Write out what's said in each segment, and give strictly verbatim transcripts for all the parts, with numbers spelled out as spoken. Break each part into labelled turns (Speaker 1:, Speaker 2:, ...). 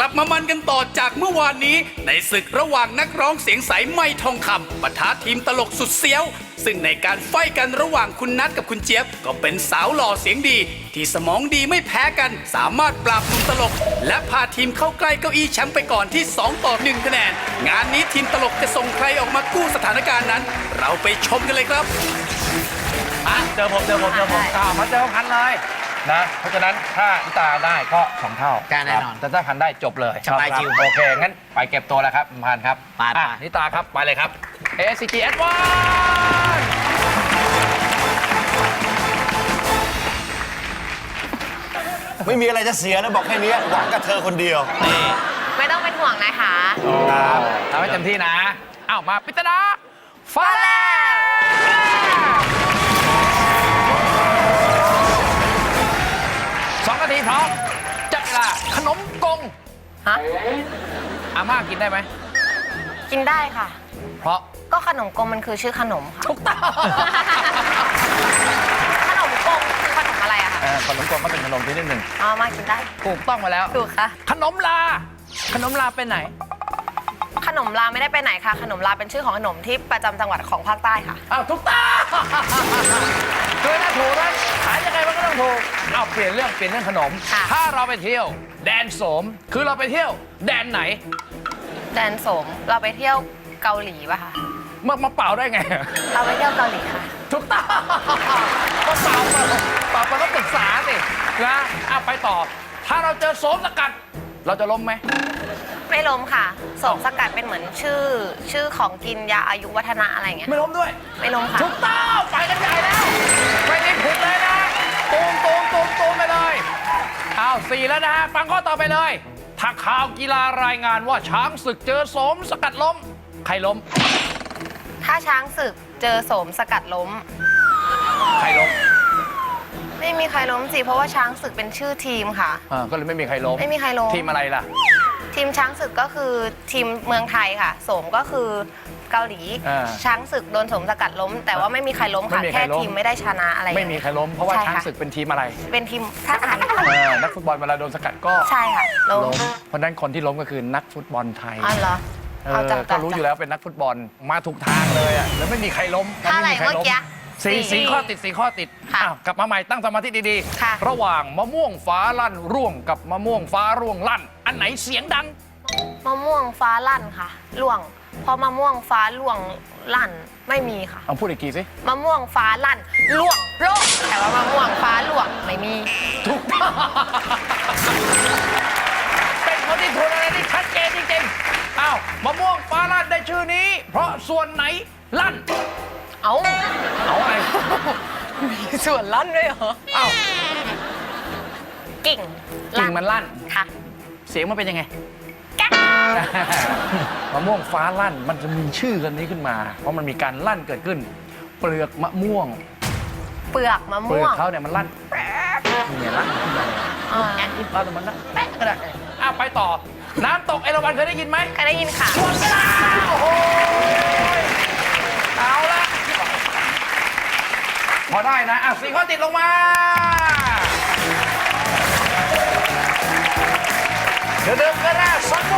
Speaker 1: ลับมามันกันต่อจากเมื่อวานนี้ในศึกระหว่างนักร้องเสียงใสไม่ทองคำปะทะทีมตลกสุดเสี้ยวซึ่งในการไฟกันระหว่างคุณนัทกับคุณเจี๊ยบก็เป็นสาวหล่อเสียงดีที่สมองดีไม่แพ้กันสามารถปราบหนุ่มตลกและพาทีมเข้าใกล้เก้าอี้แชมป์ไปก่อนที่สองต่อหนึ่งคะแนนงานนี้ทีมตลกจะส่งใครออกมากู้สถานการณ์นั้นเราไปชมกันเลยครับ
Speaker 2: อ่ะเจอผมเจอผมเจอผมอ่ามาเจอพันเลยนะเพราะฉะนั้นถ้านิตาได้ก็สองเท่า
Speaker 3: แน่นอน
Speaker 2: แต่ถ้าพันได้จบเลย
Speaker 3: สบายจิว
Speaker 2: โอเคงั้นไปเก็บตัวแล้วครับพันครับ
Speaker 3: ไปไป
Speaker 2: อ่ะนิตาครับไปเลยครับ เอ ซี จี Advance
Speaker 4: ไม่มีอะไรจะเสียนะบอกแค่นี้หวังกับเธอคนเดียว
Speaker 5: ไม่ต้องเป็นห่วงนะคะ
Speaker 2: ครับทำให้เต็มที่นะอ้าวมาปิตนาฟ้าแลบสองนาทีพร้อมจับเวลาขนมกง
Speaker 5: ฮะ
Speaker 2: อาม่ากินได้ไหม
Speaker 5: กินได้ค่ะ
Speaker 2: เพราะ
Speaker 5: ก็ขนมกลมมันคือชื่อขนมค่ะ
Speaker 2: ถูกต้อง
Speaker 5: ขนมกลมคือขนมอะไรอะคะ
Speaker 2: เออขนมกงก็เป็นขนมชนิดหนึ่ง
Speaker 5: อ๋อมากินได้
Speaker 2: ถูกต้องมาแล้ว
Speaker 5: ถูกค่ะ
Speaker 2: ขนมลา ขนมลาเป็นไหน
Speaker 5: ขนมลาไม่ได้ไปไหนค่ะ ขนมลาเป็นชื่อของขนมที่ประจำจังหวัดของภาคใต้ค่ะ
Speaker 2: อ้าวถูกต้องคือถ้าถูกนะขายยังไงมันก็ต้องถูกเอาเปลี่ยนเรื่องเปลี่ยนเรื่องขนม
Speaker 5: ค่ะ
Speaker 2: ถ้าเราไปเที่ยว แดนโสม คือเราไปเที่ยว แดนไหน
Speaker 5: แดนโสมเราไปเที่ยวเกาหลีป่ะคะ
Speaker 2: มามาเป่าได้ไง
Speaker 5: เราไปเที่ยวเกาหลีค่ะ
Speaker 2: ถูกต้องก็เป่าเป่าเป่าไปก็ปรึกษาสินะเอาไปต่อ ถ้าเราเจอโสมสกัด เราจะล้มไหม
Speaker 5: ไม่ล้มค่ะโสมสกัดเป็นเหมือนชื่อ ชื่อของกินยาอายุวัฒนะอะไรเงี้ย
Speaker 2: ไม่ล้มด้วย
Speaker 5: ไม่ล้มค่ะ
Speaker 2: ถูกต้องไปกันใหญ่แล้วไม่ได้ผิดเลยนะตูมตูมตูมตูมไปเลยเอาสี่แล้วนะฮะฟังข้อต่อไปเลย ถ้าข่าวกีฬารายงานว่าช้างศึกเจอโสมสกัดล้ม ใครล้ม
Speaker 5: ถ้าช้างศึกเจอโสมสกัดล้ม
Speaker 2: ใครล้ม
Speaker 5: ไม่มีใครล้มสิเพราะว่าช้างศึกเป็นชื่อทีมค่ะ
Speaker 2: อ่าก็เลยไม่มีใครล้ม
Speaker 5: ไม่มีใครล้ม
Speaker 2: ทีมอะไรล่ะ
Speaker 5: ทีมช้างศึกก็คือทีมเมืองไทยค่ะโสมก็คือเกาหลี
Speaker 2: อ่า
Speaker 5: ช้างศึกโดนโสมสกัดล้ม แต่ว่าไม่มีใครล้มค่ะ
Speaker 2: ไม่มีใคร
Speaker 5: แค่
Speaker 2: ล้ม
Speaker 5: ทีมไม่ได้ชนะอะไร
Speaker 2: ไม่มีใครล้มเพราะว่า
Speaker 5: ใช่
Speaker 2: ช้าง
Speaker 5: ค่ะ
Speaker 2: ศึกเป็นทีมอะไร
Speaker 5: เป็นทีมชาติไทย
Speaker 2: เออนักฟุตบอลเวลาโดนสกัดก็
Speaker 5: ใช่ค่ะล้ม
Speaker 2: ล้มเพราะฉะนั้นคนที่ล้มก็คือนักฟุตบอลไทย
Speaker 5: อ๋อเหรอ
Speaker 2: เอ
Speaker 5: เอา
Speaker 2: อ
Speaker 5: จัง
Speaker 2: ก็รู้อยู่แล้วเป็นนักฟุตบอลมาถูกทางเลยอ่ะแล้วไม่มีใครล้ม
Speaker 5: เท่าไหร่
Speaker 2: ไม่มีใคร
Speaker 5: เมื่อ
Speaker 2: ล้ม
Speaker 5: กี้
Speaker 2: สี่
Speaker 5: สี่
Speaker 2: สี่ข้อติดสี่ข้อติด
Speaker 5: ค่ะ
Speaker 2: อ้าวกลับมาใหม่ตั้งสมาธิดี
Speaker 5: ค่ะ
Speaker 2: ระหว่างมะม่วงฟ้าลั่นร่วงกับมะม่วงฟ้าร่วงลั่น อันไหนเสียงดัง
Speaker 5: มะม่วงฟ้าลั่นค่ะล่วงเพราะมะม่วงฟ้าล่วงลั่นไม่มีค่ะ
Speaker 2: เอาพูดอีกทีสิ
Speaker 5: มะม่วงฟ้าลั่นล่วงโลกแต่ว่ามะม่วงฟ้าล่วงไม่มี
Speaker 2: ถูกต้องเป็นคนที่ถูกอะไรที่ชัดเจนจริงๆอ้าวมะม่วงฟ้าลั่นได้ชื่อนี้ เพราะส่วนไหนลั่น
Speaker 5: เอา
Speaker 2: เอาอะไร
Speaker 5: มีส่วนลั่นด้วยเหรอ
Speaker 2: อ้าว
Speaker 5: กิ่ง
Speaker 2: กิ่งมันลั่น
Speaker 5: ค่ะ
Speaker 2: เสียงมันเป็นยังไง
Speaker 5: แก๊ก
Speaker 2: มะม่วงฟ้าลั่นมันจะมีชื่อกันนี้ขึ้นมา เพราะมันมีการลั่นเกิดขึ้น เปลือกมะม่วง
Speaker 5: เปลือกมะ
Speaker 2: เปลื
Speaker 5: ม่
Speaker 2: อ
Speaker 5: ว
Speaker 2: ก
Speaker 5: ง
Speaker 2: เขาเนี่ยมันลั่นแป๊บเนี่ยลั่นขึ้นมา
Speaker 5: อ่า
Speaker 2: แอนอินเอาแต่มันลั่นแป๊บก็ได้อ้าวไปต่อ น้ำตกเอราวัณเคยได้ยินไหม
Speaker 5: เคยได้ยินค่ะ
Speaker 2: หมดเวลาโอ้โหเอาละพอได้นะอ่ะสี่ข้อติดลงมาเดี๋ยวเดิมก็ได้สักโม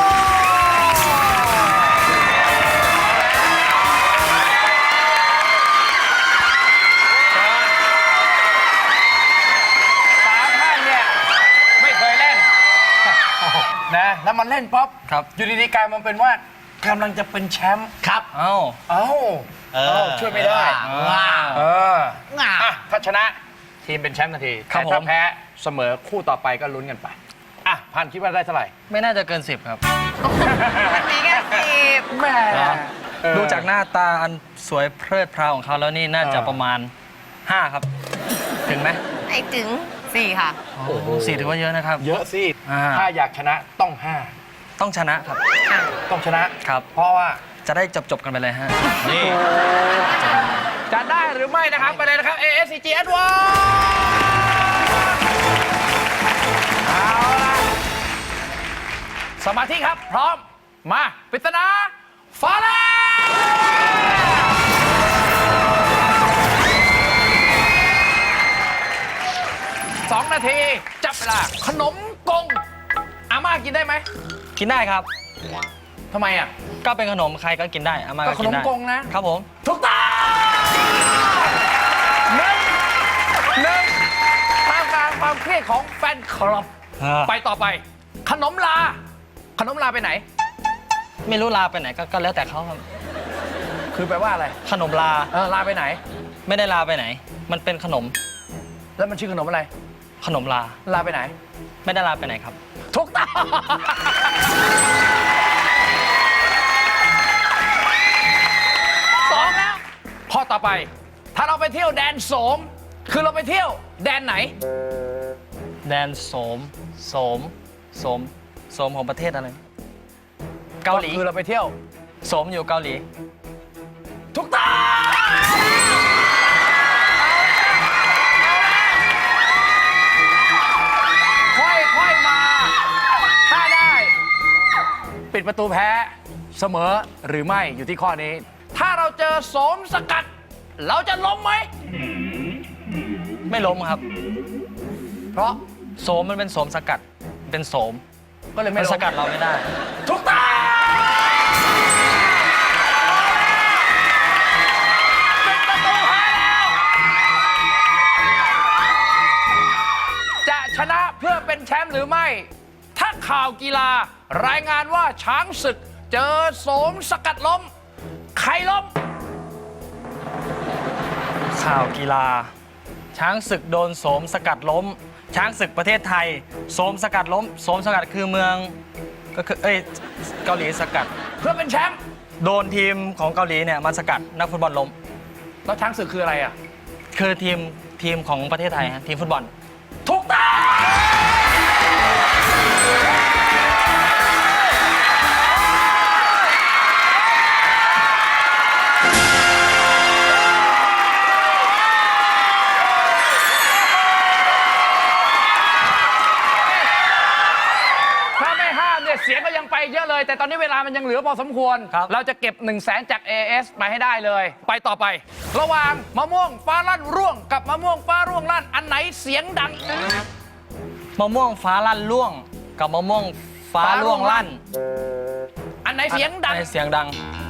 Speaker 2: นะแล้วมันเล่นป๊อป
Speaker 3: ครับ
Speaker 2: อยู่ดีๆกลายมันเป็นว่ากำลังจะเป็นแชมป์
Speaker 3: ครับ
Speaker 2: เอ้าเอ้า
Speaker 3: เออ
Speaker 2: เอ้าช่วยไม่ได้
Speaker 3: ว้าว
Speaker 2: เออ
Speaker 3: ว้าว
Speaker 2: อ่ะถ้าชนะทีมเป็นแชมป์ทันที
Speaker 3: ครับ
Speaker 2: แต่ถ้า
Speaker 3: ผม
Speaker 2: แพ้เสมอคู่ต่อไปก็ลุ้นกันไปอ่ะพันคิดว่าได้เท่าไหร่
Speaker 6: ไม่น่าจะเกินสิบครับ
Speaker 5: มันมีแค่สิบ
Speaker 2: แม่ เออ
Speaker 6: ดูจากหน้าตาอันสวยเพลิดเพลาของเขาแล้วนี่น่าจะ
Speaker 2: เออ
Speaker 6: ประมาณห้าครับ ถึงไหม
Speaker 5: ไอ้ถึงสี่ค่ะ
Speaker 2: โอ้โห
Speaker 6: สี่ถือว่าเยอะนะครับ
Speaker 2: เยอะสิ
Speaker 6: อ่า
Speaker 2: ถ้าอยากชนะต้องห้า
Speaker 6: ต้องชนะครับ
Speaker 5: ค่ะ
Speaker 2: ต้องชนะ
Speaker 6: ครับ
Speaker 2: เพราะว่า
Speaker 6: จะได้จบจบๆกันไปเลยฮะ
Speaker 2: นี่ จะได้หรือไม่นะครับ ไปเลยนะครับ เอ เอส ซี จี Advance เอาล่ะ สมาธิครับ พร้อม มาปริศนาฟ้าแลบสองนาที จับเวลาขนมกงอาม่ากินได้ไหม
Speaker 6: กินได้ครับ
Speaker 2: ทำไมอ่ะ
Speaker 6: ก็เป็นขนมใครก็กินได้อาม่า
Speaker 2: ก็
Speaker 6: ก็
Speaker 2: ข
Speaker 6: กิ
Speaker 2: น
Speaker 6: น
Speaker 2: ม
Speaker 6: ได้
Speaker 2: กงนะ
Speaker 6: ครับผม
Speaker 2: ถูกต้องหนึ่งหนึ่งท่ามกลางความเครียดของแฟนคลับ ไปต่อไป ขนมลา ขนมลาไปไหน
Speaker 6: ไม่รู้ลาไปไหนก็ก็แล้วแต่เขาครับ
Speaker 2: คือแปลว่าอะไร
Speaker 6: ขนมลา
Speaker 2: เออลาไปไหน
Speaker 6: ไม่ได้ลาไปไหน มันเป็นขนม
Speaker 2: แล้วมันชื่อขนมอะไร
Speaker 6: ขนมลา
Speaker 2: ลาไปไหน
Speaker 6: ไม่ได้ลาไปไหนครับ
Speaker 2: ถูกต้องสองแล้วข้อต่อไป ถ้าเราไปเที่ยวแดนโสม คือเราไปเที่ยวแดนไหน
Speaker 6: แดนโสมโสมโสมโสมของประเทศอะไร เกาหลี
Speaker 2: คือเราไปเที่ยว
Speaker 6: โสมอยู่เกาหลี
Speaker 2: ถูกต้องค่อยๆมา ถ้าได้ ปิดประตูแพ้เสมอหรือไม่อยู่ที่ข้อนี้ ถ้าเราเจอโสมสกัด เราจะล้มไหม
Speaker 6: ไม่ล้มครับ
Speaker 2: เพราะ
Speaker 6: โสมมันเป็นโสมสกัด เป็นโสม
Speaker 2: ก็เลย
Speaker 6: มั
Speaker 2: ไม่
Speaker 6: น
Speaker 2: ล้ม
Speaker 6: สกัดเราไม่ได้
Speaker 2: ถูกต้องปิดประตูแพ้แล้ว จะชนะเพื่อเป็นแชมป์หรือไม่ ถ้าข่าวกีฬารายงานว่าช้างศึกเจอโสมสกัดล้ม ใครล้ม
Speaker 6: ข่าวกีฬา ช้างศึกโดนโสมสกัดล้ม ช้างศึกประเทศไทย โสมสกัดล้ม โสมสกัดคือเมือง ก็คือ เอ้ย เกาหลีสกัด
Speaker 2: เพื่อเป็นแชมป์
Speaker 6: โดนทีมของเกาหลีเนี่ยมาสกัดนักฟุตบอลล้ม
Speaker 2: แล้วช้างศึกคืออะไรอ่ะ
Speaker 6: คือทีมทีมของประเทศไทยฮะทีมฟุตบอล
Speaker 2: ถูกต้องถ้าไม่ห้ามเนี่ยเสียงก็ยังไปเยอะเลย แต่ตอนนี้เวลามันยังเหลือพอสมควร
Speaker 6: ครับ
Speaker 2: เราจะเก็บ1นึ่งแสนจาก เอ เอส มาให้ได้เลย ไปต่อไป ระหว่างมะม่วงฟ้าลั่นร่วง กับมะม่วงฟ้าร่วงลั่น อันไหนเสียงดัง
Speaker 6: มะม่วงฟ้าลั่นล่วง กับมะม่วงฟ้าล่วงลั่น
Speaker 2: อันไหนเสียงดัง
Speaker 6: อันไหนเสียงดัง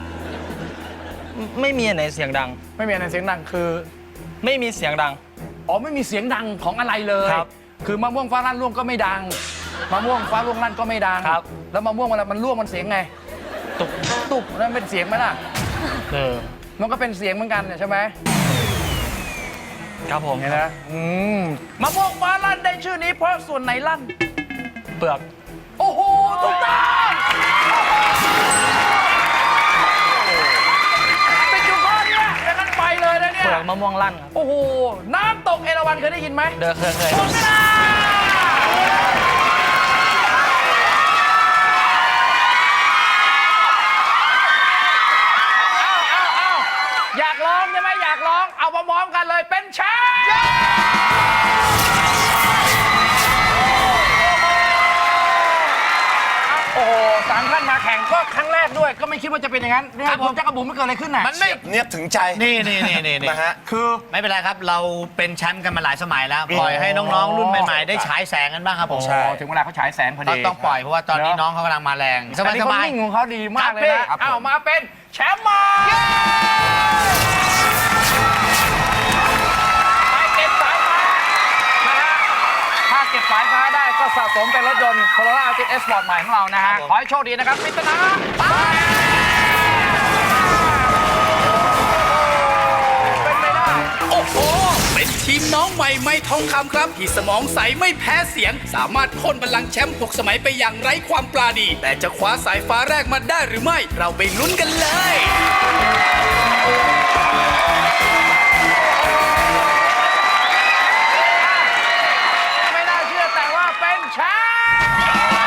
Speaker 6: ไม่มีอันไหนเสียงดัง
Speaker 2: ไม่มีอันไหนเสียงดังคือ
Speaker 6: ไม่มีเสียงดัง
Speaker 2: อ๋อไม่มีเสียงดังของอะไรเลย
Speaker 6: ครับ
Speaker 2: คือมะม่วงฟ้าลั่นร่วงก็ไม่ดัง มะม่วงฟ้าร่วงลั่นก็ไม่ดัง
Speaker 6: ครับ
Speaker 2: แล้วมะม่วงเวลามันร่วงมันเสียงไง
Speaker 6: ตุก
Speaker 2: ตุบนั่นเป็นเสียงไหมล่ะ
Speaker 6: เออ
Speaker 2: มันก็เป็นเสียงเหมือนกันเนี่ยใช่ไหม
Speaker 6: ครับผม
Speaker 2: เห็นไหมอืมมะม่วงฟ้าลั่นได้ชื่อนี้เพราะส่วนไหนลั่น
Speaker 6: เปลือก
Speaker 2: โอ้โหถูกต้องติดอยู่ข้อเนี้ยอย่างนั้นไปเลยนะเนี่
Speaker 6: เป
Speaker 2: ย
Speaker 6: ลือกมะม่วงลั่นครับ
Speaker 2: โอ้โหน้ำตกเอราวัณเคยได้ยินไหม
Speaker 6: เด้อเคยเคย
Speaker 2: หมดเวลาเอาเอาเอาอยากร้องใช่ไหมอยากร้องเอาพร้อมๆกันเลยเป็นแชมป์โอ้โหสามท่านมาแข่งก็ครั้งแรกด้วย ก็ไม่คิดว่าจะเป็นอย่างนั้นเนี่ยผมจะกระบุ๋มไม่เกิดอะไรขึ้นน่ะ
Speaker 3: มันไม่
Speaker 4: เนียบถึงใจ
Speaker 3: นี่นี่นี่นี่นี่
Speaker 4: นะฮะ
Speaker 2: คือ
Speaker 3: ไม่เป็นไรครับ เราเป็นแชมป์กันมาหลายสมัยแล้ว ปล่อยให้น้องๆ รุ่นใหม่ๆ ได้ฉายแสงกันบ้างครับผม
Speaker 4: ใช่
Speaker 2: โอ้ถึงเวลาเขาฉายแสงพอ
Speaker 3: ก็
Speaker 2: ดี
Speaker 3: ต้องปล่อยเพราะว่าตอนนี้
Speaker 2: เนอะ
Speaker 3: น้องเขากำลังมาแรงส
Speaker 2: อันนี้เขา
Speaker 3: บาย
Speaker 2: นิ่งของเขาดีมากเลย
Speaker 3: ครั
Speaker 2: นะ
Speaker 3: บ
Speaker 2: เอามาเป็นแชมป์มาไปเก็บสายฟ้านะฮะถ้าเก็บสายฟ้าได้ก็สะสมเป็นรถยนต์ Corolla Altis S Sport ใหม่ของเรานะฮะ ขอให้โชคดีนะครับพิจารณาไปเป็นไปได้
Speaker 1: โอ้โห เป็นทีมน้องใหม่ไม่ทองคำครับ ที่สมองใสไม่แพ้เสียง สามารถพ่นบัลลังก์แชมป์หกสมัยไปอย่างไร้ความปราณี แต่จะคว้าสายฟ้าแรกมาได้หรือไม่ เราไปลุ้นกันเลย
Speaker 2: ไม่น่าเชื่อแต่ว่าเป็นแชมป์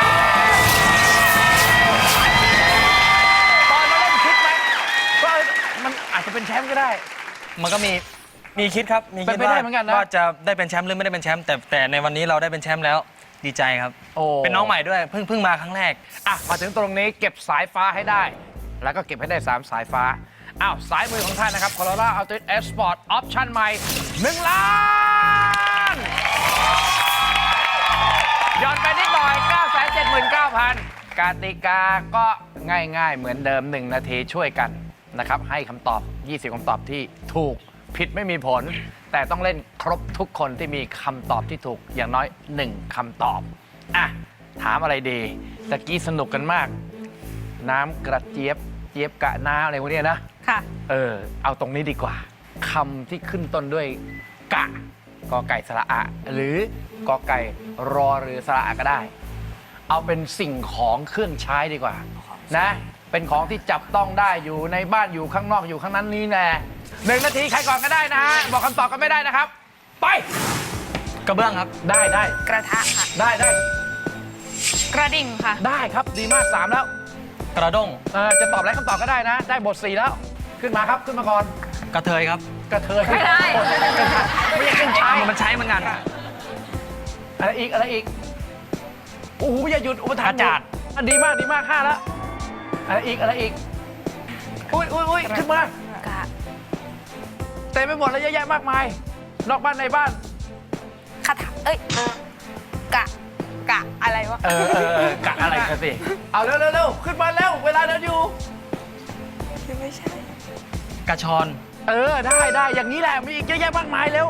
Speaker 2: ตอนมาเล่นคิดไหมว่ามันอาจจะเป็นแชมป์ก็ได้
Speaker 6: มันก็มีมีคิดครับ มี
Speaker 2: เป็
Speaker 6: คิ
Speaker 2: น
Speaker 6: ด
Speaker 2: ไป
Speaker 6: ว่า
Speaker 2: ได้เหมือนกันนะ
Speaker 6: ว่าจะได้เป็นแชมป์หรือไม่ได้เป็นแชมป์แต่แต่ในวันนี้เราได้เป็นแชมป์แล้วดีใจครับ
Speaker 2: โอ้
Speaker 6: เป็นน้องใหม่ด้วยเพิ่งเพิ่งมาครั้งแรก
Speaker 2: อ่ะ มาถึงตรงนี้เก็บสายฟ้าให้ได้ แล้วก็เก็บให้ได้ สาม สายฟ้า อ้าว สายมือของท่านนะครับ Corolla Altis S Sport Option ใหม่หนึ่งล้านย้อนไปนิดหน่อย เก้าแสนเจ็ดหมื่นเก้าพัน กติกาก็ง่ายๆเหมือนเดิม หนึ่ง นาทีช่วยกันนะครับ ให้คำตอบ ยี่สิบ คำตอบที่ถูกผิดไม่มีผล แต่ต้องเล่นครบทุกคนที่มีคำตอบที่ถูกอย่างน้อย หนึ่ง คำตอบ อ่ะ ถามอะไรดีตะกี้สนุกกันมาก น้ำกระเจี๊ยบเจี๊ยบกะน้าอะไรพวกเนี้ยนะ
Speaker 7: ค่ะ
Speaker 2: เออ เอาตรงนี้ดีกว่าคำที่ขึ้นต้นด้วยกะกอไก่สระอะ หรือกอไก่รอเรือสระอะก็ได้ เอาเป็นสิ่งของเครื่องใช้ดีกว่านะ เป็นของที่จับต้องได้อยู่ในบ้านอยู่ข้างนอกอยู่ข้างนั้นนี้แน่หนึ่งนาทีใครก่อนก็ได้นะฮะบอกคำตอบกันไม่ได้นะครับ ไป
Speaker 6: กระเบื้องครับ
Speaker 2: ได้ได้
Speaker 7: กระทะค่ะ
Speaker 2: ได้ได้
Speaker 7: กระดิ่งค่ะ
Speaker 2: ได้ครับดีมากสามแล้ว
Speaker 6: กระด้ง
Speaker 2: เออจะตอบอะไรคำตอบก็ได้นะ ได้บทสี่แล้ว ขึ้นมาครับขึ้นมาก่อน
Speaker 6: กระเทยครับ
Speaker 2: กระเทย
Speaker 7: ไม่ได้
Speaker 2: ไม่ใช่เครื่องใช้
Speaker 6: มันใช้เหมือนกัน
Speaker 2: อะไรอีกอะไรอีกโอ้โหอย่าหยุดอุปทาน
Speaker 6: กระจาด
Speaker 2: อ่ะดีมากดีมากห้าแล้วอะไรอีกอะไรอีกอุ้ยอุ้ยอุ้ยขึ้นมาก
Speaker 7: ะ
Speaker 2: เต็มไปหมดแล้วเยอะแยะมากมาย นอกบ้านในบ้าน
Speaker 7: คาถาเอ้ย กะ กะ อะไรวะ
Speaker 2: เออเออเออกะอะไรกันสิเอาเร็วเร็วเร็วขึ้นมาเร็วเวลาเดินอยู่
Speaker 7: ไม่ใช่
Speaker 6: กระชอน
Speaker 2: เออได้ได้อย่างนี้แหละมีอีกเยอะแยะมากมายเร็ว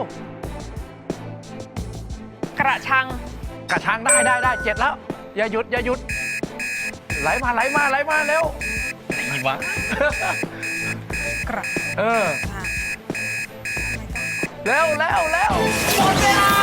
Speaker 7: กระชัง
Speaker 2: กระชังได้ได้ได้เจ็ดแล้ว อย่าหยุดอย่าหยุดไหลมาไหลมาไหลมาเร็ว
Speaker 6: นี่วะ
Speaker 7: กระ
Speaker 2: เออ
Speaker 7: ทะ
Speaker 2: เร็วเร็วเร็วหมดเวลา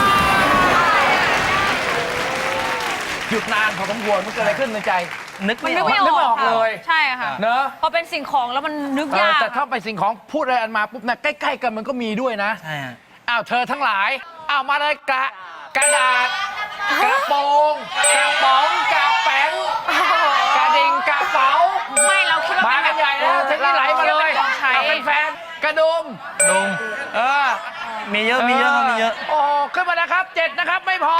Speaker 2: หยุดนานพอสมควรมันเกิดอะไรขึ้นในใจ
Speaker 6: นึก
Speaker 7: มัน
Speaker 6: ไม่
Speaker 7: นึ
Speaker 6: อก อก
Speaker 7: ไม่อ
Speaker 2: นึกไม่
Speaker 7: อ
Speaker 2: อก อก
Speaker 7: ค่ะ
Speaker 2: เลย
Speaker 7: ใช่ค่ะ
Speaker 2: เนอะ
Speaker 7: พอเป็นสิ่งของแล้วมันนึก
Speaker 2: เออย
Speaker 7: าก
Speaker 2: แต่ถ้าไปสิ่งของพูดอะไรอันมาปุ๊บนะใกล้ๆกันมันก็มีด้วยนะ
Speaker 6: ใช่ฮะ
Speaker 2: อ้าวเธอทั้งหลายอ้าวมาเลยกระกระดาษ กระโปรงกระป๋องกระแป้งกระดิ่งกระเป๋า
Speaker 7: ไม่เราคิดว่า
Speaker 2: มา
Speaker 7: เป็
Speaker 2: กันใหญ่แล้วทีนี้ไหลมาเลย
Speaker 7: ของใช้
Speaker 2: เอาเป็นแฟนกระดุม
Speaker 6: ดุม
Speaker 2: เออ
Speaker 6: มีเยอะ มีเยอะครับมีเยอะ
Speaker 2: โอ้ขึ้นมานะครับเจ็ดนะครับไม่พอ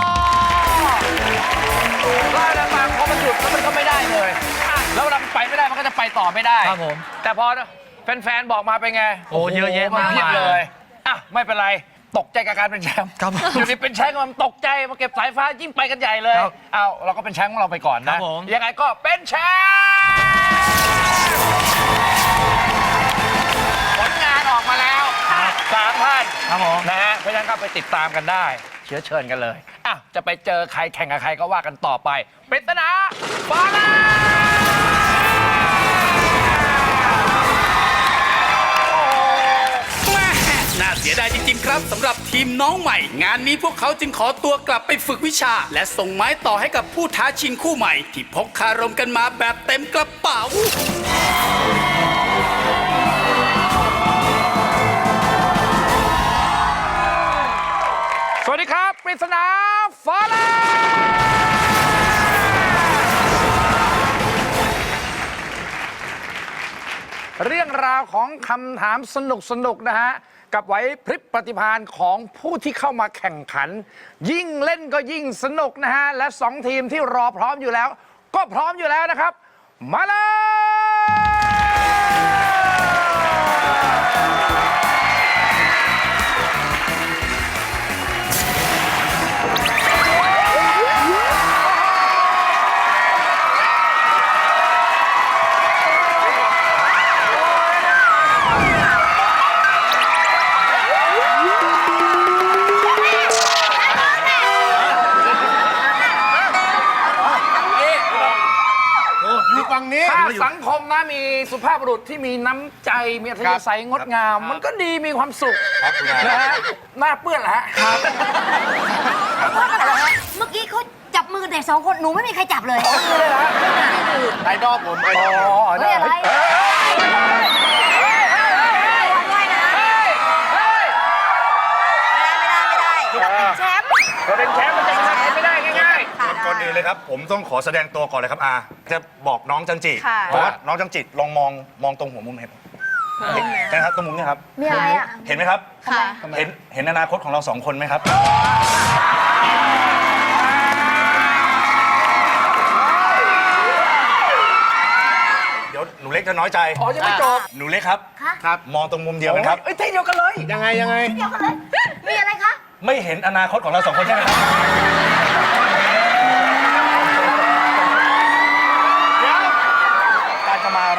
Speaker 2: ก็แล้วบางพอมันหยุดแล้วมันก็ไม่ได้เลยอ่ะแล้วเราไปไม่ได้มันก็จะไปต่อไม่ได้
Speaker 6: ครับผม
Speaker 2: แต่พอแฟนๆบอกมาเป็นไง
Speaker 6: โอ้เยอะแยะมาก
Speaker 2: เพียบ
Speaker 6: มาย
Speaker 2: เลยอ่ะไม่เป็นไรตกใจกับการเป็นแชมป์
Speaker 6: ครับผม
Speaker 2: อยู่ดีเป็นแชมป์มันตกใจมาเก็บสายฟ้ายิ่งไปกันใหญ่เลย
Speaker 6: ครับ
Speaker 2: เอาเราก็เป็นแชมป์ของเราไปก่อน
Speaker 6: ครั
Speaker 2: นะ
Speaker 6: บผม
Speaker 2: ยังไงก็เป็นแชมป์ผลงานออกมาแล้วสามท่าน
Speaker 6: ครับผม
Speaker 2: นะฮะเพราะฉะนั้นก็ไปติดตามกันได้ เชื้อเชิญกันเลยอ่ะจะไปเจอใครแข่งกับใครก็ว่ากันต่อไปปริศนาฟ้าแลบ
Speaker 1: แม่น่าเสียดายจริงๆครับสำหรับทีมน้องใหม่ งานนี้พวกเขาจึงขอตัวกลับไปฝึกวิชา และส่งไม้ต่อให้กับผู้ท้าชิงคู่ใหม่ ที่พกคารมกันมาแบบเต็มกระเป๋า
Speaker 2: สวัสดีครับปริศนาฟ้าแลบเรื่องราวของคำถามสนุกสนุกๆนะฮะ กับไหวพริบปฏิภาณของผู้ที่เข้ามาแข่งขัน ยิ่งเล่นก็ยิ่งสนุกนะฮะ และสองทีมที่รอพร้อมอยู่แล้ว ก็พร้อมอยู่แล้วนะครับ มาเลยถ้าสังคมนะมีสุภาพบุรุษที่มีน้ำใจ มีอัธยาศัยงดงาม มันก็ดีมีความสุขนะฮะหน้าเปื้อนแหละฮะ
Speaker 8: เมื่อกี้เขาจับมือเด็กสองคน หนูไม่มีใครจับเลย
Speaker 4: ไอดอลผมไอดอล
Speaker 2: อ๋อ
Speaker 8: เฮ้ยอะไร
Speaker 2: เฮ้ย
Speaker 8: ไม่ได้นะ
Speaker 2: เฮ้ยเฮ้ย
Speaker 8: ไม่ได้ไม่ได้ไม่ได้แชมป์
Speaker 2: เราเป็นแชมป์มันจะชนะใครไม่ได้ง่าย
Speaker 4: ก่อนอื่นเลยครับ ผมต้องขอแสดงตัวก่อนเลยครับอาจะบอกน้องจันจิ
Speaker 7: ค่ะ
Speaker 4: เพราะว่าน้องจันจิลองมองมองตรงหัวมุมเห็นเห็นนะครับตรงมุมเนี่ยครับ
Speaker 8: มีอะไรอ่ะ
Speaker 4: เห็นไหมครับ
Speaker 7: ค่ะ
Speaker 4: เห็นเห็นอนาคตของเราสองคนไหมครับ เดี๋ยวหนูเล็กจะน้อยใจ
Speaker 2: ๆอ๋อยังไม่จบ
Speaker 4: หนูเล็กครับ
Speaker 8: คะ
Speaker 4: ครับ มองตรงมุมเดียวกันครับ
Speaker 2: เอ้ยที่เดียวกันเลย
Speaker 4: ยังไงยังไง
Speaker 8: เดี๋ยวกันเลย มีอะไรคะ
Speaker 4: ไม่เห็นอนาคตของเราสองคนใช่ไหมครับ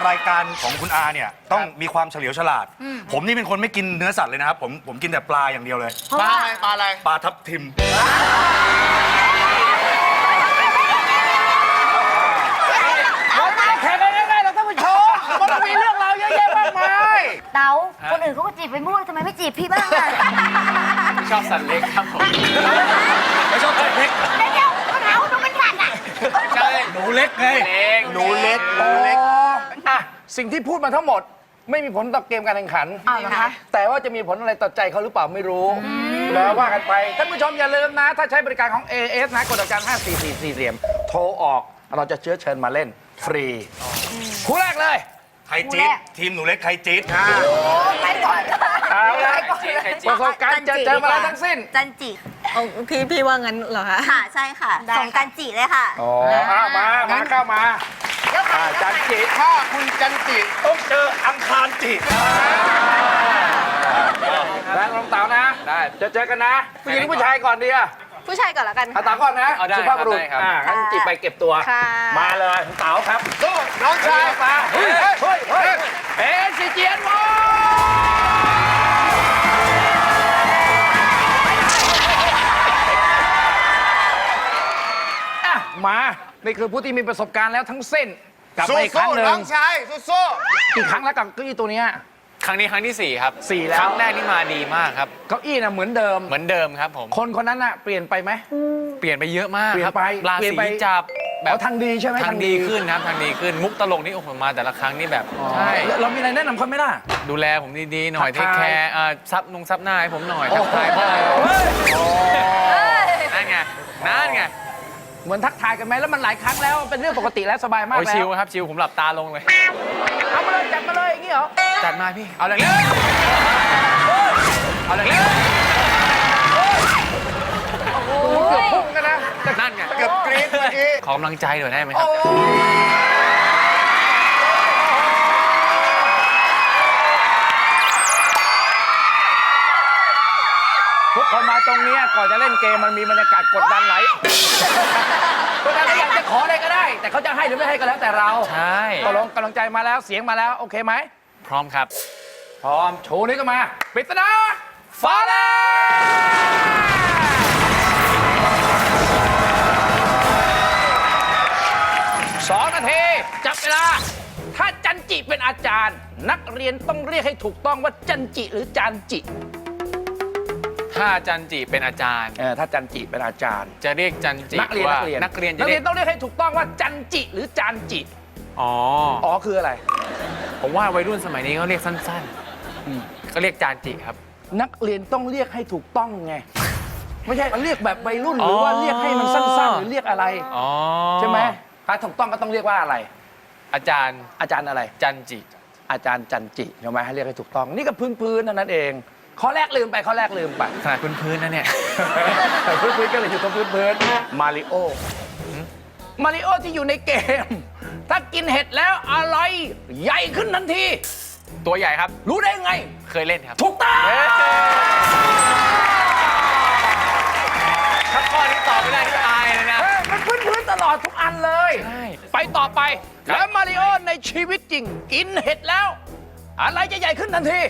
Speaker 4: รายการของคุณอาเนี่ยต้องมีความเฉลียวฉลาด ผมนี่เป็นคนไม่กินเนื้อสัตว์เลยนะครับ ผมผมกินแต่ปลาอย่างเดียวเลย
Speaker 3: ปลาอะไรปลาอะไร
Speaker 4: ปลาทับทิม
Speaker 2: เราไม่ได้แข่งกันง่ายๆหรอกท่านผู้ชมมันมีเรื่องราวเยอะแยะมากมาย
Speaker 8: เต๋าคนอื่นเขาก็จีบไปมั่วทำไมไม่จีบพี่บ้างอะ
Speaker 3: ชอบสัตว์เล็กครับผม
Speaker 4: ไม่ชอบไก่เล็ก
Speaker 8: เดี๋ยวๆเขาถามว่าหนูเป็นสัตว์อะ
Speaker 3: ใช่
Speaker 4: หนูเล็กไง
Speaker 3: หนูเล็ก
Speaker 2: หนูเล็กอ่ะสิ่งที่พูดมาทั้งหมด ไม่มีผลต่อเกมการแข่งขัน
Speaker 8: อ้าวเหรอคะ
Speaker 2: แต่ว่าจะมีผลอะไรต่อใจเขาหรือเปล่าไม่รู้ แล้วว่ากันไป ท่านผู้ชมอย่าลืมนะ ถ้าใช้บริการของ เอ เอส นะกดดอกจันห้าสี่สี่สี่เหลี่ยม โทรออก เราจะเชื้อเชิญมาเล่นฟรี คู่แรกเลย
Speaker 4: ไข่จี๊ดทีมหนูเล็กไข่จี๊ด
Speaker 8: ไปก่อน
Speaker 2: เอาละประสบการณ์เจอเจอมาแล้วทั้งสิ้น
Speaker 7: จันจิ
Speaker 9: พี่พี่ว่างั้นเหรอคะ
Speaker 7: ค่ะใช่ค่ะส่งจันจิเลยค่ะ
Speaker 2: อ๋อเอามา มาเข้ามาอ่าจันจิถ้าคุณจันจิต้องเจออังคารจิแรงลงเต๋านะ ได้ จะเจอกันนะ ผู้หญิงหรือผู้ชายก่อนดีอะ
Speaker 7: ผู้ชายก่อนละกัน
Speaker 2: เอาเต๋าก่อนนะ
Speaker 6: เอาได้
Speaker 2: สุภาพบุรุษ
Speaker 6: ครับได้ครับ
Speaker 2: อ่างั้นจิไปเก็บตัว
Speaker 7: ค่ะ
Speaker 2: มาเลยเต๋าครับสู้น้องชายมาเฮ้ยเฮ้ยเฮ้ยเอ็นซีเจียนวออ่ะมา นี่คือผู้ที่มีประสบการณ์แล้วทั้งสิ้นกลับมาอีกครั้งหนึ่ง
Speaker 3: น้องชายสู้
Speaker 2: กี่ครั้งแล้วกับเก้าอี้ตัวเนี้ย
Speaker 6: ครั้งนี้ครั้งที่สี่ครับ
Speaker 2: สี่แล้ว
Speaker 6: ครั้งแรกนี่มาดีมากครับ
Speaker 2: เก้าอี้น่ะเหมือนเดิม
Speaker 6: เหมือนเดิมครับผม
Speaker 2: คนคนนั้นน่ะเปลี่ยนไปไหม
Speaker 6: เปลี่ยนไปเยอะมาก
Speaker 2: เปลี่ย
Speaker 6: คน รับ
Speaker 2: ไป
Speaker 6: รา
Speaker 2: เปลี่ยน
Speaker 6: ศี
Speaker 2: ไป
Speaker 6: จับแบ
Speaker 2: อ๋
Speaker 6: บ
Speaker 2: อทางดีใช่ไหม
Speaker 6: ทางดีขึ้นครับทางดีขึ้น มุกตลกนี่โอ้โหมาแต่ละครั้งนี่แบบ ใช่
Speaker 2: เราเรามีอะไรแนะนำเขาไหมล่ะ
Speaker 6: ดูแลผมดีๆหน่อย
Speaker 2: ทั
Speaker 6: เท
Speaker 2: ก
Speaker 6: ค
Speaker 2: ทาย
Speaker 6: แคร์อ่าซับนงซับหน้าให้ผมหน่อยทักทาย
Speaker 2: โอ้
Speaker 6: พ่อ
Speaker 2: โห
Speaker 6: นั่นไงนั่นไง
Speaker 2: เหมือนทักทายกันไหมแล้วมันหลายครั้งแล้วเป็นเรื่องปกติแล้วสบายมาก
Speaker 6: โอ้ย
Speaker 2: แล้
Speaker 6: ชิ
Speaker 2: ว
Speaker 6: ลครับชิลผมหลับตาลงเลย
Speaker 2: เอามาเลยจัดมาเลยอย่างนี้เหรอ
Speaker 6: จัดมาพี่ เอาเลยเอาเลย
Speaker 2: เกือบพุ่งกันนะ
Speaker 6: นั่นไง
Speaker 3: ๆเกือบกรี๊ดเมื่อกี้
Speaker 6: ขอกำลังใจหน่อยได้ไหมครับ
Speaker 2: ทุกคนมาตรงเนี้ยก่อนจะเล่นเกมมันมีบรรยากาศกดดันไหลกดดันแล้วอยากจะขออะไรก็ได้ แต่เขาจะให้หรือไม่ให้ก็แล้วแต่เรา
Speaker 6: ใช่
Speaker 2: ตกลงกำลังใจมาแล้วเสียงมาแล้วโอเคไหม
Speaker 6: พร้อมครับ
Speaker 2: พร้อมโชว์นี้ก็มาปริศนาฟ้าแลบสองนาทีจับเวลา ถ้าจันจิเป็นอาจารย์ นักเรียนต้องเรียกให้ถูกต้องว่าจันจิหรือจานจิ
Speaker 6: ถ้าจันจิเป็นอาจารย์
Speaker 2: เออถ้าจันจิเป็นอาจารย์
Speaker 6: จะเรียกจันจิ
Speaker 2: นักเรียน
Speaker 6: ว่า
Speaker 2: นักเรียน
Speaker 6: นักเรียนจะ
Speaker 2: นัก
Speaker 6: เรี
Speaker 2: เรี
Speaker 6: ย
Speaker 2: ย
Speaker 6: ก
Speaker 2: นต้องเรียกให้ถูกต้องว่าจันจิหรือจานจิ
Speaker 6: อ๋อ
Speaker 2: อ๋อคืออะไร
Speaker 6: ผมว่าวัยรุ่นสมัยนี้เขาเรียกสั้นๆก็เรียกจานจิครับ
Speaker 2: นักเรียนต้องเรียกให้ถูกต้องไง ไม่ใช่เรียกแบบวัยรุ่นหรือว่าเรียกให้มันสั้นๆหรือเรียกอะไร
Speaker 6: อ๋อ
Speaker 2: ใช่ไหมถ้าถูกต้องก็ต้องเรียกว่าอะไร
Speaker 6: อาจารย์
Speaker 2: อาจารย์อะไร
Speaker 6: จันจิ
Speaker 2: อาจารย์จันจิใช่ไหมให้เรียกให้ถูกต้อง นี่ก็พื้นพื้นๆเท่านั้นเองข้อแรกลืมไปข้อแรกลืมไป
Speaker 6: ขนาดพื้นๆนะเนี่ย
Speaker 2: พื้นพื้นๆก็เลยอยู่ตรงพื้นพื้นมาริโอมาริโอที่อยู่ในเกม ถ้ากินเห็ดแล้วอะไรใหญ่ขึ้นทันที
Speaker 6: ตัวใหญ่ครับ
Speaker 2: รู้ได้ไง
Speaker 6: เคยเล่นครับ
Speaker 2: ถูกต้อง
Speaker 6: ถ้าข้อนี้ตอบไม่ได้นี่อายเลยนะ
Speaker 2: เฮ้ยมันพื้นพื้นๆตลอดทุกอันเลย
Speaker 6: ใช่
Speaker 2: ไปต่อไป แล้วมาริโอในชีวิตจริง กินเห็ดแล้ว อะไรจะใหญ่ขึ้นทันที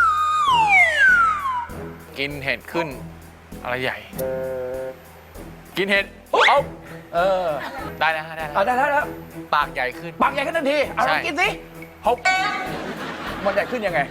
Speaker 6: กินเห็ดขึ้น อะไรใหญ่ กินเห็ดเอา
Speaker 2: เออ
Speaker 6: ได้แล้วฮะได้แล้ว
Speaker 2: เอาได้แล้วแล้ว
Speaker 6: ปากใหญ่ขึ้น
Speaker 2: ปากใหญ่ขึ้นทันทีเอาลอง
Speaker 6: ใช่
Speaker 2: กินสิฮบมันใหญ่ขึ้นยังไง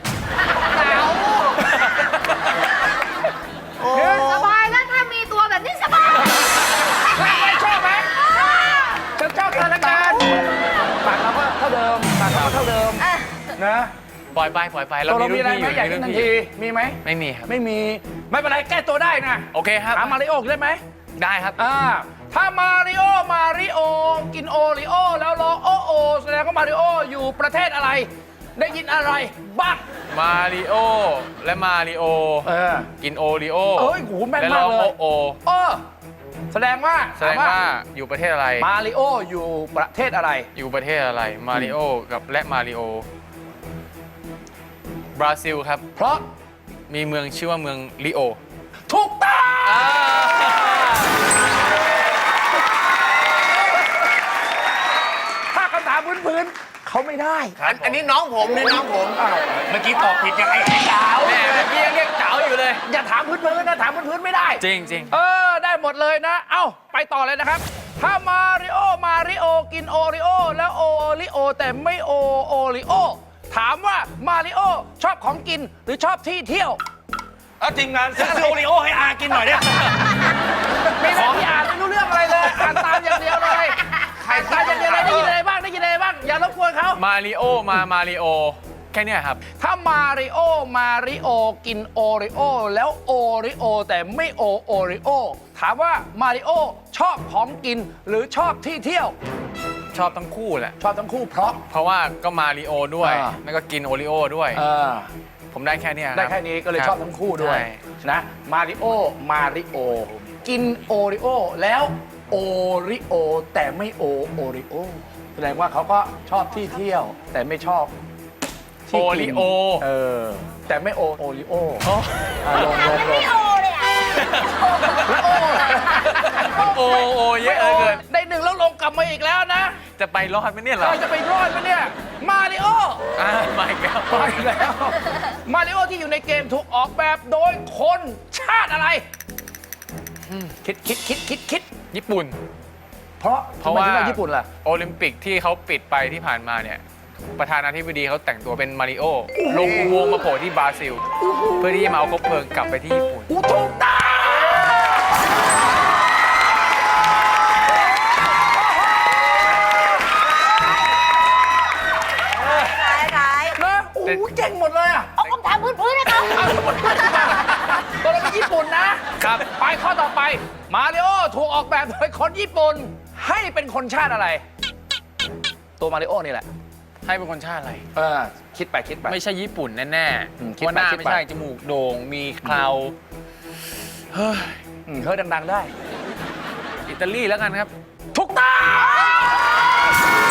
Speaker 5: สบายแล้วถ้ามีตัวแบบนี้สบาย
Speaker 2: ไม่ชอบไหมฉันชอบสถานการณ์ปากเราก็เท่าเดิมปากเราก็เท่าเดิมนะ
Speaker 6: ปล่อยไปปล่อยไป
Speaker 2: ตัวเรา
Speaker 6: มี
Speaker 2: มีอะไร
Speaker 6: รุ่น
Speaker 2: ไหม
Speaker 6: พี่
Speaker 2: ใหญ่
Speaker 6: อยู่
Speaker 2: ขึ้นทัน
Speaker 6: มีรุ่
Speaker 2: ที
Speaker 6: พี่
Speaker 2: มีไหม
Speaker 6: ไม่มีครับ
Speaker 2: ไม่มี ไม่เป็นไรแก้ตัวได้นะ
Speaker 6: โอเคครับ
Speaker 2: ถามมาริโอได้ไหม
Speaker 6: ได้ครับ
Speaker 2: อ่าถ้ามาริโอมาริโอกินโอริโอแล้วรอโอโอแสดงว่ามาริโออยู่ประเทศอะไร ได้ยินอะไรบ้าง
Speaker 6: มาริโอและมาริโอ
Speaker 2: เออ
Speaker 6: กินโอริโอ
Speaker 2: เอ้ยโหแม่น
Speaker 6: และ
Speaker 2: มาก
Speaker 6: ร้อง
Speaker 2: เลย
Speaker 6: โอโอ
Speaker 2: เออแสดงว่า
Speaker 6: แสดงว่าอยู่ประเทศอะไร
Speaker 2: มาริโออยู่ประเทศอะไร
Speaker 6: อยู่ประเทศอะไร มาริโอกับและมาริโอ บราซิลครับ
Speaker 2: เพราะ
Speaker 6: มีเมืองชื่อว่าเมืองริโอ
Speaker 2: ถูกต้องถ้าคำถามพื้นๆเขาไม่ได้
Speaker 3: อันอันนี้น้องผมนี่น้องผม
Speaker 4: เมื่อกี้ตอบผิดยังไงไอ้ดาว
Speaker 6: แม่เมื่อกี้ยังเรียกเจ๋าอยู่เลย
Speaker 2: อย่าถามพื้นๆนะถามพื้นๆไม่ได้
Speaker 6: จริงจริง
Speaker 2: เออ ได้หมดเลยนะ เอ้า ไปต่อเลยนะครับ ถ้ามาริโอ มาริโอ กินโอริโอ แล้วโอริโอ แต่ไม่โอโอริโอ ถามว่ามาริโอชอบของกินหรือชอบที่เที่ยว
Speaker 4: เอาทีมงานซื้อโอริโอให้อากินหน่อยเนี่ย
Speaker 2: ไม่ได้ที่อ่านไม่รู้เรื่องอะไรเลย อ่านตามอย่างเดียวเลยอ่านตามอย่างเดียวเลยได้ยินอะไรบ้างได้ยินอะไรบ้าง อย่ารบกวนเขา
Speaker 6: มาริโอมามาริโอ แค่เนี้ยครับ
Speaker 2: ถ้ามาริโอ มาริโอ กินโอริโอ แล้วโอริโอ แต่ไม่โอโอริโอ ถามว่ามาริโอชอบของกินหรือชอบที่เที่ยว
Speaker 6: ชอบทั้งคู่แหละ
Speaker 2: ชอบทั้งคู่เพราะ
Speaker 6: เพราะว่าก็มาริโอด้วย
Speaker 2: อ่า
Speaker 6: แล้วก็กินโอริโอด้วย
Speaker 2: เออ
Speaker 6: ผมได้แค่เนี้ยรับ
Speaker 2: ได้แค่นี้ก็เลยชอบทั้งคู่ด้วย
Speaker 6: ใช่
Speaker 2: นะมาริโอ มาริโอ กินโอริโอ แล้วโอริโอ แต่ไม่โอโอริโอ แสดงว่าเขาก็ชอบที่เที่ยว แต่ไม่ชอบที่
Speaker 6: โอ
Speaker 2: กิน
Speaker 6: ริโอ
Speaker 2: เออ แต่ไม่โอโอริโอ
Speaker 6: โอ้
Speaker 2: อ่ะลงลงลง
Speaker 8: ไม่โอเลยอ่ะ
Speaker 6: โอโอเยอะเหลือเกิน
Speaker 2: ได้หนึ่งแล้วลงกลับมาอีกแล้วนะ
Speaker 6: จะไปรอดไหมเนี่ยเหรอ
Speaker 2: เราจะไปรอดไหมเนี่ย มาริโอ
Speaker 6: อ่ามาอีกแล้ว
Speaker 2: ไปแล้ว มาริโอที่อยู่ในเกมถูกออกแบบโดยคนชาติอะไร คิดคิดคิดคิดคิด
Speaker 6: ญี่ปุ่น
Speaker 2: เพราะ
Speaker 6: เพราะว่า
Speaker 2: ทำไมถึงญี่ปุ่นล่ะ
Speaker 6: โอลิมปิกที่เขาปิดไปที่ผ่านมาเนี่ย ประธานาธิบดีเขาแต่งตัวเป็นมาริโอ ลงอุโมงค์มาโผล่ที่บราซิล เพื่อที่จะมาเอาคบเพลิงกลับไปที่ญี่ปุ่น
Speaker 2: อูถูกต้องนะโอ้โหเก่งหมดเลยอ่ะ
Speaker 8: เอาคำถามพื้นๆนะครับ
Speaker 2: ตัวเราเป็นญี่ปุ่นนะครับ ไปข้อต่อไป มาริโอถูกออกแบบโดยคนญี่ปุ่น ให้เป็นคนชาติอะไร ตัวมาริโอนี่แหละ
Speaker 6: ให้เป็นคนชาติอะไร
Speaker 2: เออ คิดไปคิดไป
Speaker 6: ไม่ใช่ญี่ปุ่นแน่
Speaker 2: อืม
Speaker 6: ๆ
Speaker 2: คิด
Speaker 6: ว่า
Speaker 2: ไป
Speaker 6: หน้า
Speaker 2: คิดไป
Speaker 6: ไม่ใช่ จมูกโด่ง มีเคราเฮ้ย
Speaker 2: อืมเฮ้ยดัง ๆ ได้
Speaker 6: อิตาลีแล้วกันครับ
Speaker 2: ทุกตอง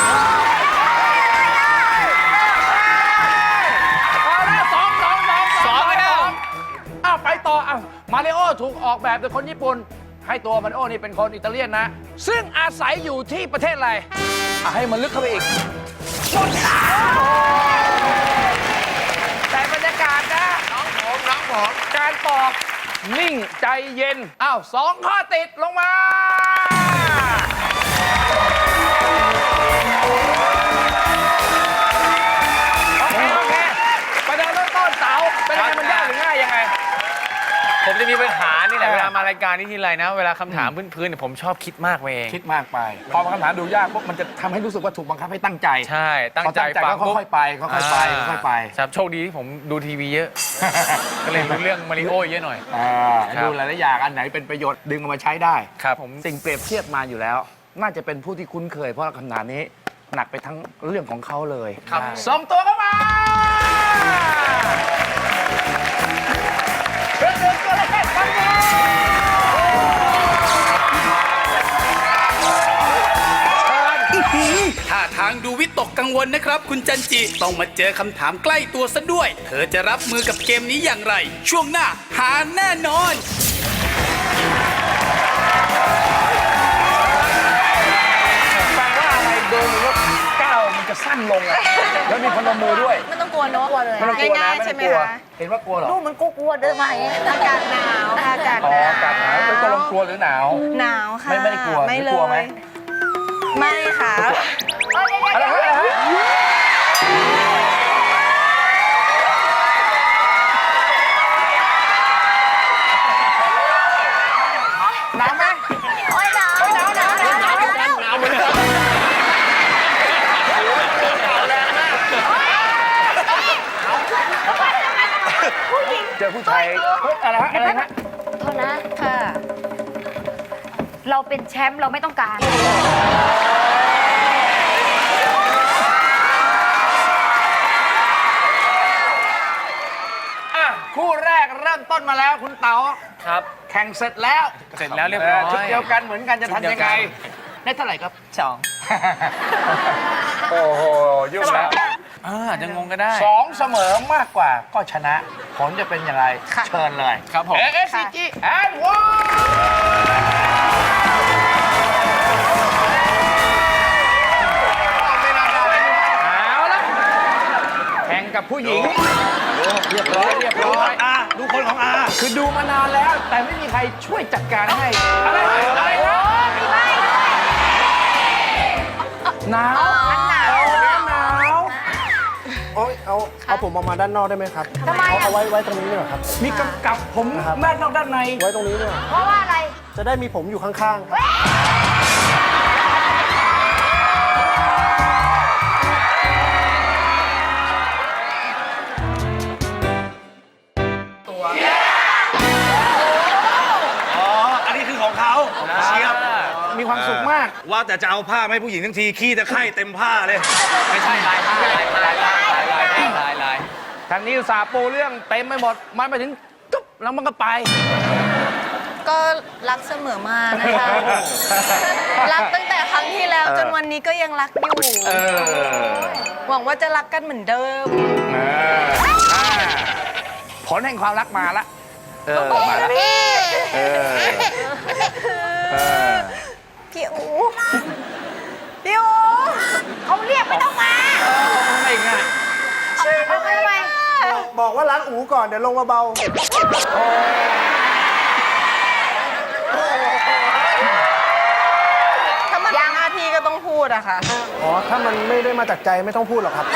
Speaker 2: เอาละสองสองสอง
Speaker 6: สองแล้ว
Speaker 2: อ้าวไปต่ออ้าวมาริโอถูกออกแบบโดยคนญี่ปุ่น ให้ตัวมาริโอนี่เป็นคนอิตาเลียนนะ ซึ่งอาศัยอยู่ที่ประเทศอะไรอ่ะให้มันลึกเข้าไปอีกหมดแล้วแต่บรรยากาศนะ
Speaker 3: น้องผมน้องผม
Speaker 2: การตอบนิ่งใจเย็น อ้าวสองข้อติดลงมา โอเค โอเคประเดิมเริ่มต้นเสาเป็นยังไงมันยากหรือง่ายยังไง
Speaker 6: ผมจะมีปัญหานี่แหละ
Speaker 2: เออ
Speaker 6: เวลามารายการนี้ทีไรนะ เวลาคำถามพื้นๆเนี่ยผมชอบคิดมากไปเอง
Speaker 2: คิดมากไป พอคำถามดูยากปุ๊บมันจะทำให้รู้สึกว่าถูกบังคับให้ตั้งใจ
Speaker 6: ใช่ ตั้งใจ
Speaker 2: พอ
Speaker 6: ฟัง
Speaker 2: ก็ค่อยๆไปค่อยๆไปค่อยๆไป
Speaker 6: ครับโชคดีที่ผมดูทีวีเยอะ ก็เลยรู้เรื่องมาริโอเยอะหน่อย
Speaker 2: อ่า
Speaker 6: ครับ
Speaker 2: ดูหลายๆอย่างอันไหนเป็นประโยชน์ดึงเอามาใช้ได้
Speaker 6: ครับผม
Speaker 2: สิ่งเปรียบเทียบมาอยู่แล้ว น่าจะเป็นผู้ที่คุ้นเคย เพราะคำถามนี้หนักไปทั้งเรื่องของเขาเลย
Speaker 6: ครับ
Speaker 2: ส่งตัวเข้ามาเป็นหนึ่งตัวเลขฟังดี
Speaker 1: ท่าทางดูวิตกกังวลนะครับ คุณจันจิต้องมาเจอคำถามใกล้ตัวซะด้วย เธอจะรับมือกับเกมนี้อย่างไร ช่วงหน้าหาแน่นอน
Speaker 2: แปลว่าอะไรโดนรถก้าวมันจะสั้นลงอะแล้วมีพนมมือด้วย
Speaker 9: ไม่ต้องกลัวเนอะ
Speaker 5: กลัวเลย
Speaker 2: ไม่ต้องกลัวนะ
Speaker 9: ง่ายๆ
Speaker 2: ไม่
Speaker 9: ใช่
Speaker 2: ต้องกลัว
Speaker 9: ไหมคะ
Speaker 2: เห็นว่ากลัวเหรอ
Speaker 5: ดูมันกลัวๆเดินมาอย่างเงี้ย
Speaker 9: อากาศหนาวค่ะอากาศ
Speaker 2: อ๋อ
Speaker 9: หนาว
Speaker 2: อากาศหนาวเป็นตกลงกลัวหรือหนาว
Speaker 9: หนาวค่ะ
Speaker 2: ไม่ไม่ได้กลัว
Speaker 9: ไม่
Speaker 2: ไม่
Speaker 9: เล
Speaker 2: กลัวไหม
Speaker 9: ย ไม่ค่ะ
Speaker 2: อะไรฮะอะไรฮะหนาวไหม
Speaker 5: โอ้ยหนาวหนาวหนาวหนาวหนาวหนาว
Speaker 2: หนาวเหมือนกันเจอผู้ชายเฮ้ยอะไรฮะอะไรฮะ
Speaker 8: โทษนะค่ะ เราเป็นแชมป์เราไม่ต้องการ
Speaker 2: อ่ะคู่แรกเริ่มต้นมาแล้วคุณเต๋า
Speaker 6: ครับ
Speaker 2: แข่งเสร็จแล้ว
Speaker 6: เสร็จแล้วเรียบร้อย
Speaker 2: ชุดเดียวกันเหมือนกันจะทำยังไง
Speaker 6: ชุดเดียวกั
Speaker 2: ได้เท่าไหร่ครับ
Speaker 6: สอง
Speaker 2: โอ้โหยุ่งแล้ว
Speaker 6: อ่าอาจจะงงก็ได้
Speaker 2: สองเสมอมากกว่าก็ชนะ ผลจะเป็นอย่างไร เชิญเลย
Speaker 6: ครับผม
Speaker 2: เอเอสซีจีแอนด์วันเอากับผู้หญิง เรียบร้อยเรียบร้อย
Speaker 4: อาดูคนของอา
Speaker 2: คือดูมานานแล้ว แต่ไม่มีใครช่วยจัดการให้ อะไรอะไรนะหนาวหนาวหนาว
Speaker 10: โอ้ยเอาเอาผมออกมาด้านนอกได้ไหมครับ
Speaker 5: ทำไม
Speaker 10: เอา
Speaker 5: อ่ะ
Speaker 10: เอาไว้ไว้ตรงนี้ดีกว่าครับ
Speaker 2: มีกำกับผมด้านนอกด้านใน
Speaker 10: ไว้ตรงนี้ดีกว่า
Speaker 5: เพราะว่าอะไร
Speaker 10: จะได้มีผมอยู่ข้างๆครับ
Speaker 4: อ๋อ อันนี้คือของเขาเชียบ
Speaker 2: มีความสุขมาก
Speaker 4: ว่าแต่จะเอาผ้ามาให้ผู้หญิงทั้งทีขี้ตะไคร่เต็มผ้าเลย
Speaker 2: ไม่ใช่ลายผ้าลายลายลายลายลายลายทางนี้อุตส่าห์ปูเรื่องเต็มไปหมด มันไปถึงจุ๊บแล้วมันก็ไป
Speaker 9: ก็รักเสมอมานะคะ รักตั้งแต่ครั้งที่แล้วจนวันนี้ก็ยังรักอยู่
Speaker 2: เออ
Speaker 9: หวังว่าจะรักกันเหมือนเดิม
Speaker 2: ผลแห่งความรักมาละ เออ มาละ เออ เออ
Speaker 9: พี่อูพี่อู
Speaker 5: เขาเรียกไม่ต้องมา
Speaker 2: ไม่ง่าย
Speaker 5: เอาไปทำไม
Speaker 10: บอกว่าล้างอูก่อน เดี๋ยวลงมาเบา
Speaker 9: ถ้ามันหน้าที่ก็ต้องพูดอะค่ะ
Speaker 10: อ๋อ ถ้ามันไม่ได้มาจากใจไม่ต้องพูดหรอกครับ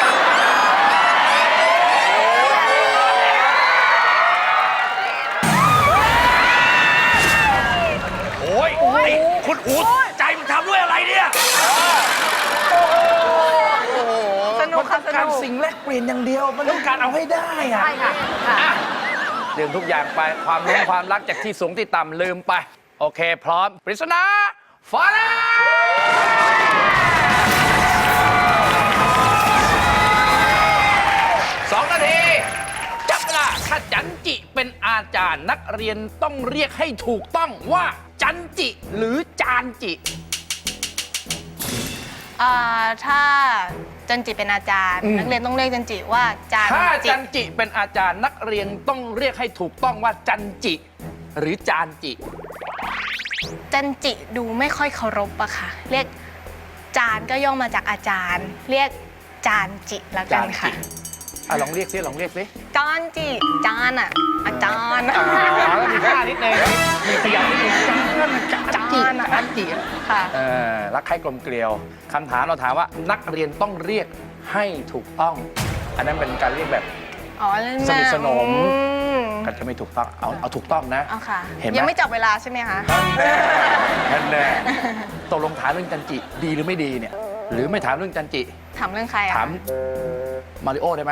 Speaker 4: โอ้ยไอ้คุณอู๋ใจมึงทำด้วยอะไรเนี่ย
Speaker 9: สนุก
Speaker 2: มัน
Speaker 9: ค่ะ
Speaker 2: ต้อง
Speaker 9: ส
Speaker 2: การ
Speaker 9: นุก
Speaker 2: สิ่งแลกเปลี่ยนอย่างเดียว มันต้องการเอาให้ได้อะ
Speaker 5: ใช่ค่ะค่ะ
Speaker 2: อ่ะลืมทุกอย่างไป ความรู้ความรักจากที่สูงที่ต่ำลืมไป โอเค พร้อม ปริศนาฟ้าแลบสองนาที จับเวลาถ้าจันจิเป็นอาจารย์นักเรียนต้องเรียกให้ถูกต้องว่าจันจิหรือจานจิ
Speaker 9: อ่าถ้าจันจิเป็นอาจารย์
Speaker 2: อืม
Speaker 9: นักเรียนต้องเรียกจันจิว่าจาน
Speaker 2: ถ้า
Speaker 9: จิ
Speaker 2: จันจิเป็นอาจารย์นักเรียนต้องเรียกให้ถูกต้องว่าจันจิ หรือจานจิ
Speaker 9: จันจิดูไม่ค่อยเคารพอะค่ะ เรียกจานก็ย่อมาจากอาจารย์ เรียกจานจิละกันค่ะ
Speaker 2: อ่ะลองเรียกซิลองเรียกซิ
Speaker 9: จานจิจานอะอาจารย์
Speaker 2: อ๋อแล้วมีท่านิดนึงมีขยับนิดนึงจานจิ
Speaker 9: จานอะ
Speaker 2: จานจิ
Speaker 9: ค่ะ
Speaker 2: เออรักใครกลมเกลียวคำถามเราถามว่านักเรียนต้องเรียกให้ถูกต้อง อันนั้นเป็นการเรียกแบบ
Speaker 9: อ๋อเล่น
Speaker 2: สนิทสนม
Speaker 9: อืม
Speaker 2: ก็จะไม่ถูกต้องเอาเอาถูกต้องนะ
Speaker 9: เอาค่ะ
Speaker 2: เห็นไหม
Speaker 9: ยังไม่จับเวลาใช่ไหมคะ
Speaker 2: นั่นแน่ตกลงถามเรื่องจันจิดีหรือไม่ดีเนี่ย หรือไม่ถามเรื่องจันจิ
Speaker 9: ถามเรื่องใครอะ
Speaker 2: ถามมาริโอได้ไหม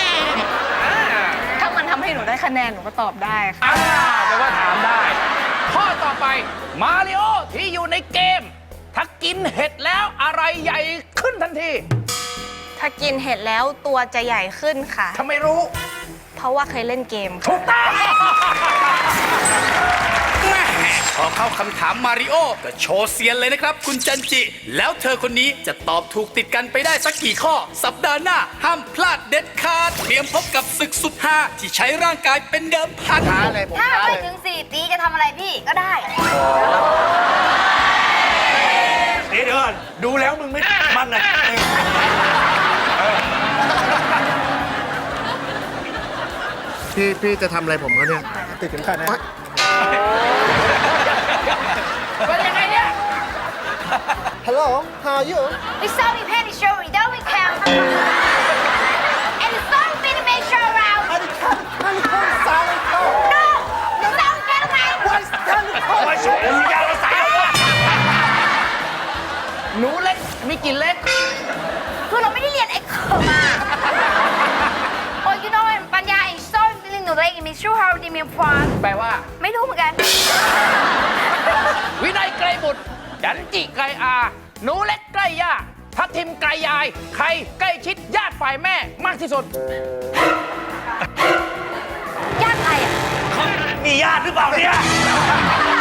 Speaker 9: ถ้ามันทำให้หนูได้คะแนนหนูก็ตอบได้ค่ะ
Speaker 2: อ่าแปลว่าถามได้ ข้อต่อไปมาริโอที่อยู่ในเกม ถ้ากินเห็ดแล้วอะไรใหญ่ขึ้นทันที
Speaker 9: ถ้ากินเห็ดแล้วตัวจะใหญ่ขึ้นค่ะ
Speaker 2: ทำไมรู้
Speaker 9: เพราะว่าเคยเล่นเกมค่ะ
Speaker 2: ถูกต้อง
Speaker 1: แม่พอเข้าคำถามมาริโอก็โชว์เซียนเลยนะครับ คุณจันจิ แล้วเธอคนนี้จะตอบถูกติดกันไปได้สักกี่ข้อ สัปดาห์หน้า ห้ามพลาดเด็ดขาดเตรียมพบกับศึกสุดฮาที่ใช้ร่างกายเป็นเดิมพัน
Speaker 5: ถ้าไปถึงสี่ตีจะทำอะไรพี่ก็ได้
Speaker 4: เดี๋ยวก่อนดูแล้วมึงไม่มันนะ
Speaker 10: พี่พี่จะทำอะไรผมเขาเนี่ย ติดเข็มขัดนะ
Speaker 2: เป็นยังไงเนี่ย
Speaker 10: Hello how are you
Speaker 5: It's only penny show we don't we count and it's only penny make show around
Speaker 10: อันนี้คันอันนี้คันสายเขา
Speaker 5: no it's only penny make
Speaker 4: โอ้ยช่วยยาวสาย
Speaker 2: หนูเล็ก มีกี่เล็ก
Speaker 5: คือเราไม่ได้เรียนเอ็กเคอร์มา Oh you know ปัญญา is so feeling หนูเล็ก it means true how they mean fun
Speaker 2: แปลว่า
Speaker 5: ไม่รู้เหมือนกัน
Speaker 2: วินัยไกรบุตร จันจิไกรอา หนูเล็กใกล้ย่าทัพทิมไกรยาย ใครใกล้ชิดญาติฝ่ายแม่มากที่สุด
Speaker 5: ญาติใครอ่ะ
Speaker 4: มีญาติหรือเปล่าเนี่ย